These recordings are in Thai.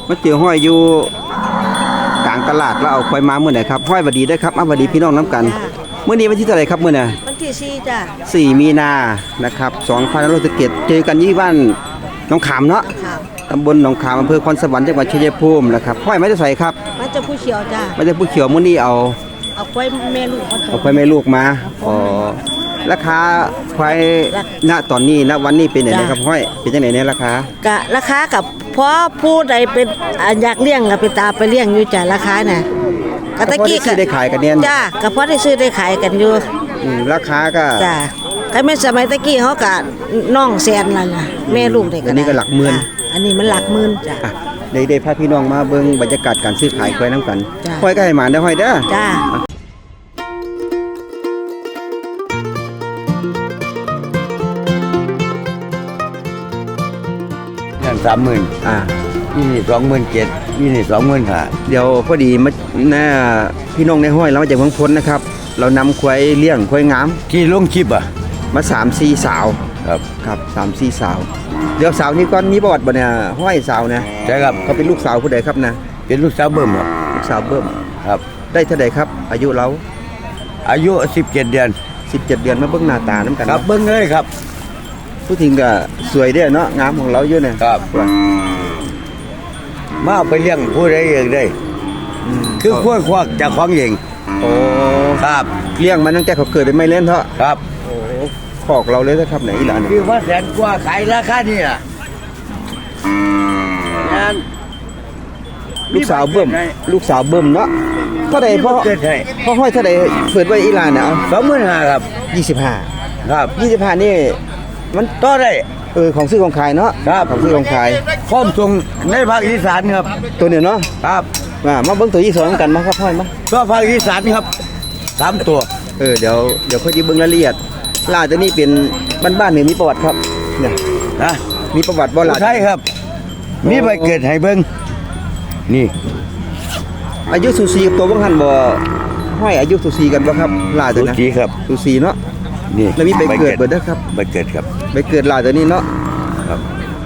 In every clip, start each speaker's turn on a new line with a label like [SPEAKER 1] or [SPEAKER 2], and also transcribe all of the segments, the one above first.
[SPEAKER 1] มาเจอห้อยอยู่กลางตลาดแล้วเอาควายมาเมื่อไหร่ครับห้อยบัดดีได้ครับบัดดีพี่น้องน้ำกันเมื่อนี้วันที่เท่าไหร่ครับเมื่อน่ะ
[SPEAKER 2] วันที่4จ้ะ
[SPEAKER 1] 4 มีนานะครับ2567เจอกันที่บ้านหนองขามเนาะตำบลหนองขามอำเภอคอนสวรรค์จังหวัดชัยภูมินะครับห้อยไม้จะใส่ครับ
[SPEAKER 2] มันจะผู้เขียวจ้ะ
[SPEAKER 1] ไม่จะผู้เขียวมื้อนี้เอา
[SPEAKER 2] ควายแม่ลูก
[SPEAKER 1] เอาควายแม่ลูกมาอ๋อราคาควายณตอนนี้ณวันนี้เป็นยังไงครับห้อยเป็นยังไงเนี่ยราค
[SPEAKER 2] ากับเพราะผู้ใดเป็นอยากเลี้ยงก็ไปตามไปเลี้ยงอยู่จ้ะราคาน่ะ
[SPEAKER 1] กตะกี้ได้ขายกันเนี่ย
[SPEAKER 2] จ้ะก็เพราะได้ซื้อได้ขายกันอยู่
[SPEAKER 1] ราคาก็
[SPEAKER 2] จ้ะก็แม่สมัยตะกี้เขาก็น้องแสนนั่นน่ะแม่ลูกได้
[SPEAKER 1] กันอันนี้ก็หลักหมื่น
[SPEAKER 2] อันนี้มันหลักหมื่นจ้ะ
[SPEAKER 1] ได้พาพี่น้องมาเบิ่งบรรยากาศการซื้อขายควายน้ำกันห้อยก็ให้หมานได้ห้อยเด้อ
[SPEAKER 2] จ้า
[SPEAKER 3] 30,000นี่27,000นี่25,000
[SPEAKER 1] เดี๋ยวพอดีมาหน้าพี่น้องในห้อยเรามาจากเมืองพ้นนะครับเรานำควายเลี้ยงควายงาม
[SPEAKER 3] ที่ลงคลิป
[SPEAKER 1] มา 3-4 สาวครับ 3-4 สาวเดี๋ยวสาวนี้ก่อนมีประวัติบ่เนี่ยห้อยสาวนะ
[SPEAKER 3] ใช่ครับ
[SPEAKER 1] เขาเป็นลูกสาวผู้ใดครับนะ
[SPEAKER 3] เป็นลูกสาวเบิ่มครับ
[SPEAKER 1] ลูกสาวเบิ่ม
[SPEAKER 3] ครับ
[SPEAKER 1] ได้เท่าใดครับอายุเรา
[SPEAKER 3] อายุ17 เดือน
[SPEAKER 1] 17 เดือนมาเบิ่งหน้าตาน้ำกัน
[SPEAKER 3] ครับเบิ่งเลยครับ
[SPEAKER 1] ผู้ทิ้งก็สวยเด้อเนาะงามของเราเยอะเนี่ย
[SPEAKER 3] ครับมาไปเลี้ยงผู้ใดเองได้คือขั้วควักจากของเอง
[SPEAKER 1] โอ้
[SPEAKER 3] ครับ
[SPEAKER 1] เลี้ยงมันตั้งแต่เขาเกิดเป็นไม่เล่นเถอะ
[SPEAKER 3] ครับ
[SPEAKER 1] โอ้ขอกเราเลยนะครับไหนอีหลาน
[SPEAKER 3] คือว่า100,000 กว่าขายราคานี่ล่ะ
[SPEAKER 1] ลูกสาวเบิ่มเนาะเท่าใดพ่อห้อยเท่าใดเปิดไว้อีหลานเนี่ย
[SPEAKER 3] เอา25,000ครับ
[SPEAKER 1] 25
[SPEAKER 3] ครับ
[SPEAKER 1] 25นี่มัน
[SPEAKER 3] ต่อได้
[SPEAKER 1] ของซื้อของขายเนาะ
[SPEAKER 3] ครับ
[SPEAKER 1] ของซื้อของขาย
[SPEAKER 3] พร้อมส่งในภาคอีสานครับ
[SPEAKER 1] ตัวเนี่ยเนาะ
[SPEAKER 3] ครับ
[SPEAKER 1] มาเบิ่งตัวที่2กันมาครับห้อยมา
[SPEAKER 3] ตัวภาคอีสานครับ3ตัว
[SPEAKER 1] เดี๋ยวค่อยสิเบิ่งรายละเอียดลาตัวนี้เป็นบ้านๆนี่มีประวัติครับเนี่ย
[SPEAKER 3] นะ
[SPEAKER 1] มีประวัติบ่ล่ะ
[SPEAKER 3] ใช่ครับมีใบเกิดให้เบิ่งนี่
[SPEAKER 1] อายุสูสีกับตัวบ่หันบ่ห้อยอายุสูสีกันบ่ครับลาตัวนะ
[SPEAKER 3] สูสีครับ
[SPEAKER 1] สูสีเนาะ
[SPEAKER 3] นี่
[SPEAKER 1] แล้วมีใบเกิดเบิดเด้อครับ
[SPEAKER 3] ใบเกิดครับ
[SPEAKER 1] ใบเกิดลาตัวนี้เนาะ
[SPEAKER 3] ครับ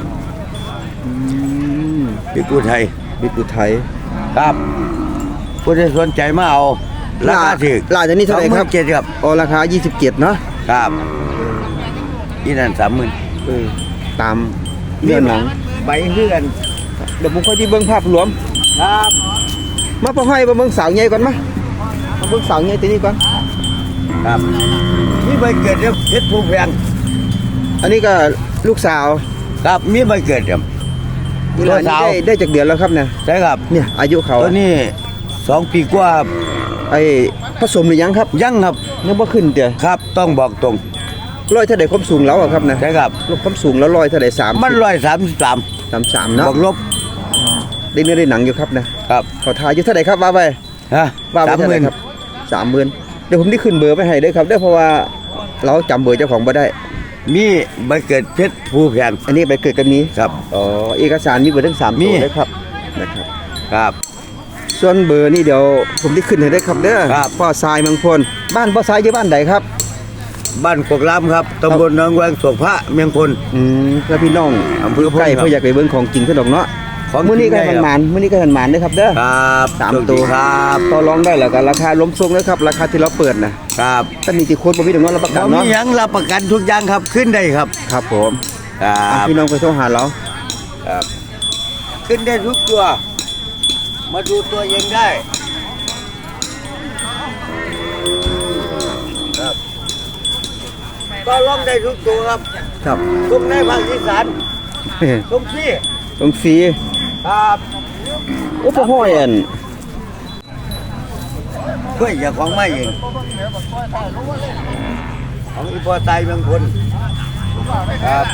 [SPEAKER 3] บิ๊กอุทัยครับผู้ใดสนใจมาเอาราคาถูก
[SPEAKER 1] ลาตัวนี้เท่าไหร่ครับ
[SPEAKER 3] 27ครับ
[SPEAKER 1] อ๋อราคา27เนาะ
[SPEAKER 3] ครับอีนั่น30,000
[SPEAKER 1] ตามเรื่องหนัง
[SPEAKER 3] ใบเฮือน
[SPEAKER 1] เดี๋ยวผมค่อยที่เบิ่งภาพรวม
[SPEAKER 3] ครับ
[SPEAKER 1] มาพอให้มาเบิ่งสาวใหญ่ก่อนมาเบิ่งสาวใหญ่ตัวนี้ก่อน
[SPEAKER 3] ครับมีใบเกิดครับเพชรภูแพง
[SPEAKER 1] อันนี้ก็ลูกสาว
[SPEAKER 3] ครับมีใบเกิดครับ
[SPEAKER 1] ลูกสาวได้จากเดือนแล้วครับเนี่ย
[SPEAKER 3] ใช่ครับ
[SPEAKER 1] เนี่ยอายุเขา
[SPEAKER 3] ตัวนี้2 ปีกว่า
[SPEAKER 1] ผสมหรือยังครับ
[SPEAKER 3] ยังครับ
[SPEAKER 1] ยังบ่ขึ้นเด้อ
[SPEAKER 3] ครับต้องบอกตรง
[SPEAKER 1] ร้อยเท่าใดความสูงแล้วครับนะ
[SPEAKER 3] ใช่ครับ
[SPEAKER 1] ความสูงแล้วร้อยเท่าใด3
[SPEAKER 3] มัน133
[SPEAKER 1] เนาะ
[SPEAKER 3] บวกลบ
[SPEAKER 1] ได้เนื้อได้หนังอยู่ครับนะครับขอทายอยู่เท่าใดครับว่าไปว่าไปเท่าใดครับ30,000เดี๋ยวผมได้ขึ้นเบอร์ไปให้ด้วยครับเพราะว่าเราจำเบอร์เจ้าของบ่ได้
[SPEAKER 3] มีใบเกิดเพชรภูแพง
[SPEAKER 1] อันนี้ใบเกิดกันนี้
[SPEAKER 3] ครับ
[SPEAKER 1] เอกสารมีเบอร์ทั้ง3ตัวเลยครับนะครับ
[SPEAKER 3] ครับ
[SPEAKER 1] ส่วนเบอร์นี่เดี๋ยวผมได้ขึ้นให้ได้ครับเด้อพ่อทรายเมืองพลบ้านพ่อทรายอยู่บ้านใดครับ
[SPEAKER 3] บ้านกกล้ำครับตำบลหนองแวงโศกพระเมืองพล
[SPEAKER 1] แล้วพี่น้อง
[SPEAKER 3] อำเภอ
[SPEAKER 1] ใกล้เพื่ออยากไปเบิ่งของจริงซะดอกเนาะมื้อนี้ก็มันหมานเด้อครับเด้อ
[SPEAKER 3] ครับ
[SPEAKER 1] 3ตัว
[SPEAKER 3] ครับ
[SPEAKER 1] ต่อรองได้แล้วก็ราคาล้มทรงนะครับราคาที่เราเปิดนะครับถ้ามีติโค้ดบ่มีดอกเนาะรับประกันเนาะ
[SPEAKER 3] มีหยังรับประกันทุกอย่างครับขึ้นได้ครับ
[SPEAKER 1] ครับผมพี่น้องไปโทรหาเรา
[SPEAKER 3] ครับขึ้นได้ทุกตัวมาดูตัวเองได้ครับก็ร้องได้ทุกตัวครับตรงในภาคอีสานตรงฟ
[SPEAKER 1] รี
[SPEAKER 3] ครับ
[SPEAKER 1] โอ้พ่อห้อย
[SPEAKER 3] เพื่ออย่าของไม่เองของอีพอตายเมืองพลครับ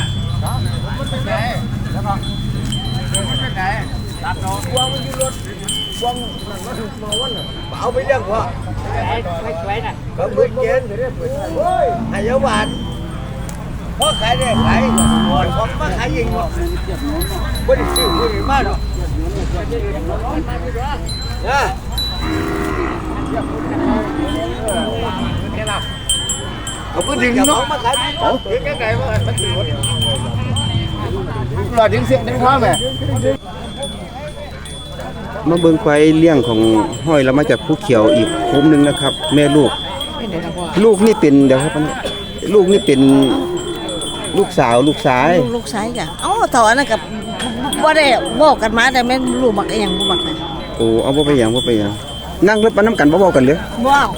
[SPEAKER 3] เอาไปเลี้ยงพ่อเขาเปิดเย็นให้เยาว์บาทพ่อขายได้ขายหมดของมาขายยิงหมดไม่ได้ซื้อไม่ได้มาหรอกนะเขาก็ดึงเนาะมาขายของดึงไงมามันดึงหมดเราดึงเสียงดึงข้าวไหม
[SPEAKER 1] มาเบิ่งควายเลี้ยงของห้อยเรามาจากภูเขียวอีกโคมหนึงนะครับ แม่ลูก ลูกนี่เป็นเดี๋ยวครับอันนี้ลูกนี่เป็นลูกสาวลูกชาย
[SPEAKER 2] ลูกชายจ้ะเอ้าเท่าอันนั้นกับบ่ได้บอกกันมาแต่แม่นรู้บักอีหยังบ่บักนะ
[SPEAKER 1] โอ้เอาบ่ไปหยังบ่ไปหยังนั่งรถมาน้ำกันบ่เว้ากันเลย
[SPEAKER 2] ว้าว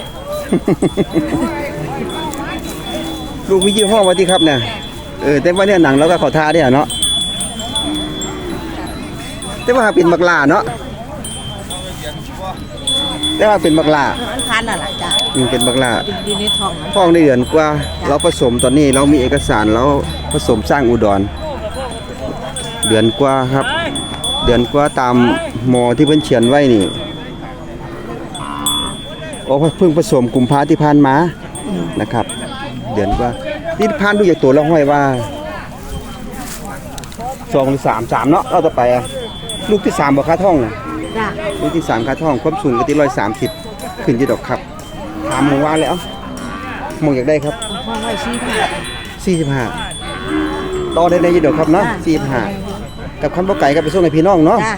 [SPEAKER 1] ลูกมียี่ห้อว่าที่ครับเนี่ยแต่ว่าเนี่ยหนังเราก็เขาท่าได้เนาะแต่ว่าเป็นบักลาเนาะแต่ว่าเป็นบักลา
[SPEAKER 2] อันพันน่ะล่ะจ้ะ
[SPEAKER 1] เป็นบักลา
[SPEAKER 2] อยู่ในท้องนะ
[SPEAKER 1] ท้องได้เดือนกว่าเราผสมตอนนี้เรามีเอกสารเราผสมสร้างอุดรเดือนกว่าครับ เดือนกว่าตามหมอที่เพิ่นเขียนไว้นี่โอ้เพิ่งผสมกุมภาที่ผ่านมานะครับ เดือนกว่าที่ผ่านดูจากตัวแล้วห้อยว่า2หรือ3เนาะเราต่อไปอะลูกที่3บ่ค่าท้องน่ะ
[SPEAKER 2] จ้ะ
[SPEAKER 1] ลูกที่3ค่าท้องความสูงก็ที่130ขึ้นอยู่ดอกครับถามหมู่ว่าแล้วหมู่อยากได้ครับ
[SPEAKER 2] ห้องไว้ชี้ผ้า
[SPEAKER 1] 45ต่อได้ในอยู่ดอกครับเนาะ45กับคันบ่ไก่ก็ไปส่งให้พี่น้องเนาะ
[SPEAKER 2] จ้ะ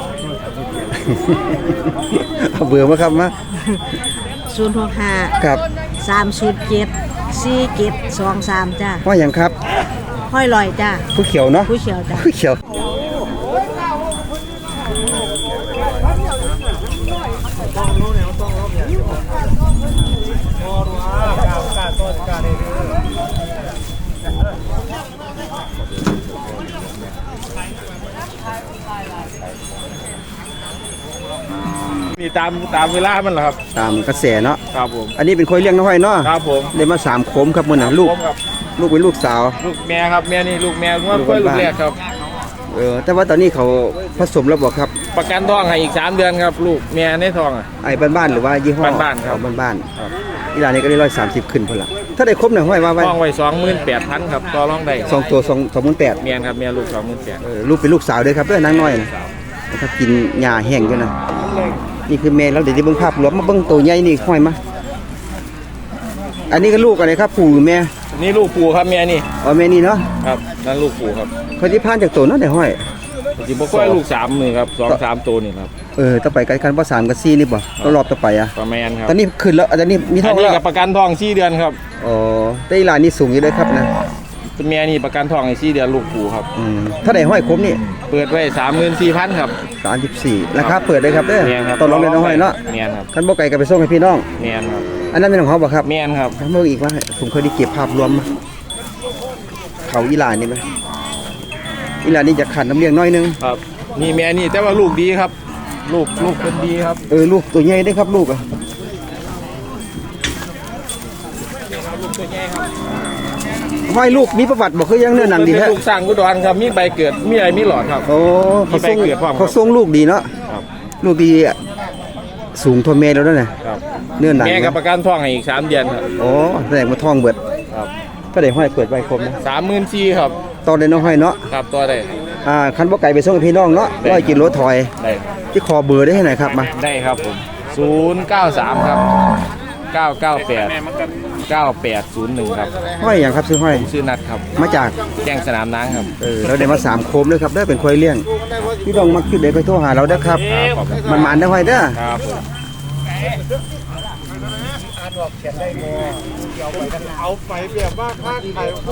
[SPEAKER 1] เอาเบื่อมาครับมา
[SPEAKER 2] 065
[SPEAKER 1] ครับ
[SPEAKER 2] 307 4723จ้ะ
[SPEAKER 1] ว่าหยังครับ
[SPEAKER 2] ห้อยลอยจ้ะ
[SPEAKER 1] ผู้เขียวเนาะ
[SPEAKER 2] ผู้เขียวจ้ะ
[SPEAKER 1] ผู้เขียว
[SPEAKER 4] นี่ตามเวลามันเหรอครับ
[SPEAKER 1] ตามกระแสเนาะ
[SPEAKER 4] ครับผม
[SPEAKER 1] อันนี้เป็นคอยเลี้ยงน้อยเนาะ
[SPEAKER 4] ครับผม
[SPEAKER 1] ได้มา3โคมครับมื้อน่ะลูก
[SPEAKER 4] ผมครับ
[SPEAKER 1] ลูกเป็นลูกสาว
[SPEAKER 4] ลูกแม่ครับแม่นี่ลูกแม่ว่า
[SPEAKER 1] ลูก
[SPEAKER 4] เพื่อนลู
[SPEAKER 1] บ้าน
[SPEAKER 4] กแรกครับ
[SPEAKER 1] แต่ว่าตอนนี้เขาผสมแล้วบ่ครับ
[SPEAKER 4] ประกันท้องให้อีก3 เดือนครับ ลูกแม่ในท้องอ่ะ
[SPEAKER 1] ไอ้บ้านๆหรือว่ายี่ห้อ
[SPEAKER 4] บ้านๆครับ
[SPEAKER 1] เอบ้าน
[SPEAKER 4] ครับ
[SPEAKER 1] ๆอีหลานนี่ก็ได้130ขึ้นพุ่นล่ะถ้าได้ครบน่ะห้อยว่าไว้
[SPEAKER 4] ท้องไว้28,000ครับต่อรองได้
[SPEAKER 1] 2ตัว28,000
[SPEAKER 4] แม่ครับแม่ลูก28,000
[SPEAKER 1] ลูกเป็นลูกสาวเด้อครับเด้อนางน้อยนะนะครับกินหญ้าแห้งอยู่นะนี่คือแม่แล้วเดี๋ยวจะเบิ่งภาพรวมมาเบิ่งตัวใหญ่นี่ห้อยมาอันนี้ก็ลูกอะไรครับปู่หรือแม่
[SPEAKER 4] นี่ลูกปู่ครับแม่นี่
[SPEAKER 1] อ๋อแม่นี่เนาะ
[SPEAKER 4] ครับนั่นลูกปู่ครับ
[SPEAKER 1] คนที่ผ่านจากตัวเนาะได้ห้อย
[SPEAKER 4] สิบ่ค่อยลูก3นี่ครับ2-3ตัวนี่ครับ
[SPEAKER 1] ต่อไปกันบ่3กับ4นี่บ่รอบต่อไปอ่ะ
[SPEAKER 4] ประมาณครับ
[SPEAKER 1] ตอนนี้ขึ้นแล้วตอนนี้มีท้
[SPEAKER 4] อั
[SPEAKER 1] อน ง
[SPEAKER 4] นี้
[SPEAKER 1] แล้ว
[SPEAKER 4] กับประกันท้อง4 เดือนครับ
[SPEAKER 1] อ๋อแต่อีหลานนี่สูงอยู่เด้อครับนะ
[SPEAKER 4] แม่นี่ประกันท้องให้4 เดือนลูกปู่ครับ
[SPEAKER 1] ถ้าได้ห้อยครบนี่
[SPEAKER 4] เปิดไว้34,000ครับ
[SPEAKER 1] 34ราคาเปิดได้ครับเด้อ
[SPEAKER 4] แม่นครับ
[SPEAKER 1] ตอนลองได้น้อยเนาะ
[SPEAKER 4] แม่นครับ
[SPEAKER 1] คันบ่ไกลก็ไปส่งให้พี่น้อง
[SPEAKER 4] แม่นครับ
[SPEAKER 1] อันนั้นเป็นของเขาบ่ครับ
[SPEAKER 4] แม่นครับ
[SPEAKER 1] ทั้งหมดอีกว่าผมเคยได้เก็บภาพรวมมาเขาอีหลานนี่ไหมอีหลานนี่จะขันน้ำเลี้ยงน้อยนึง
[SPEAKER 4] ครับนี่แม่นี่แต่ว่าลูกดีครับ ลูกเป็นดีครับ
[SPEAKER 1] ลูกตัวใหญ่ได้ครับลูกอ่ะ
[SPEAKER 4] ลูกตัวใหญ่ครับ
[SPEAKER 1] ห้อยลูกมีประวัติบอกคือยังเนื้อหนังดี
[SPEAKER 4] เป็น
[SPEAKER 1] แท้
[SPEAKER 4] ลูกสร้างกุดรครับมีใบเกิดมีอะไรมีหลอดครับ
[SPEAKER 1] โอ้เขาส่ง
[SPEAKER 4] มีใบเกิดพร้อมครับ
[SPEAKER 1] เขาส่งลูกดีเนาะ
[SPEAKER 4] ครับ
[SPEAKER 1] ลูกดีอะสูงทนเมตรแล้วเนี่ย
[SPEAKER 4] ครับ
[SPEAKER 1] เนื้อหนัง
[SPEAKER 4] แม่กับประกันท้องให้อีก3 เดือนครับ
[SPEAKER 1] โอ้แสดงว่าทองเบิด
[SPEAKER 4] ครับ
[SPEAKER 1] ถ้าได้ห้อยเปิดใบคมนะ
[SPEAKER 4] 34,000ครับ
[SPEAKER 1] ตอนได้น้องห้อยเนาะ
[SPEAKER 4] ครับตัวได้
[SPEAKER 1] คันบ่ไก่ไปส่งให้พี่น้องเนาะ100 กิโลถอย
[SPEAKER 4] ได้
[SPEAKER 1] ที่คอเบอร์ได้ให้หน่อยครับมา
[SPEAKER 4] ได้ครับผม093ครับ998 9801ครับ
[SPEAKER 1] ห้อยอย่างครับซื้อห้อย
[SPEAKER 4] ชื่อนัดครับ
[SPEAKER 1] มาจาก
[SPEAKER 4] แจ้งสนามน้ำครับ
[SPEAKER 1] เราได้มา3โคมเลยครับได้เป็นควายเลี้ยงพี่น้องมักคิดได้ไปโทรหาเราเด้อครับ
[SPEAKER 4] ขอบคุณ
[SPEAKER 1] มันได้ห้อยเด้อ
[SPEAKER 4] ครับผม
[SPEAKER 3] เอาไปแบบว่าค่าไข่พ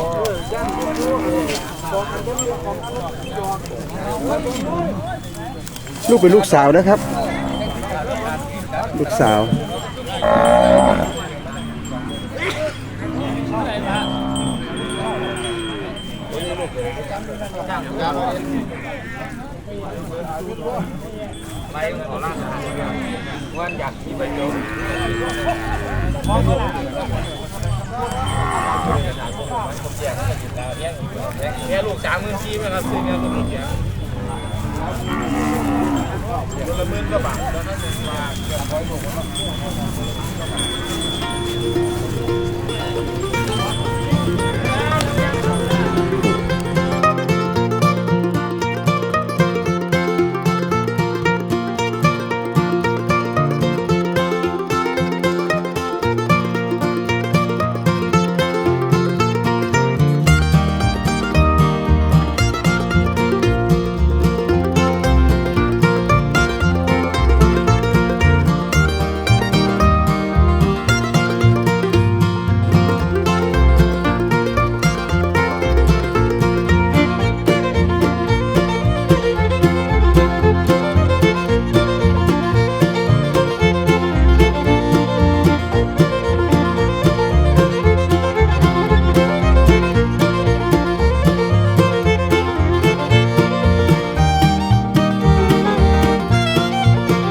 [SPEAKER 3] อ
[SPEAKER 1] ลูกเป็นลูกสาวนะครับ ลูกสาว
[SPEAKER 4] เนี่ยลูก34,000ไหมครับซื้อเนี่ยตัวนี้เสียละ10,000 กว่าบาทแล้วนั่นเองว่า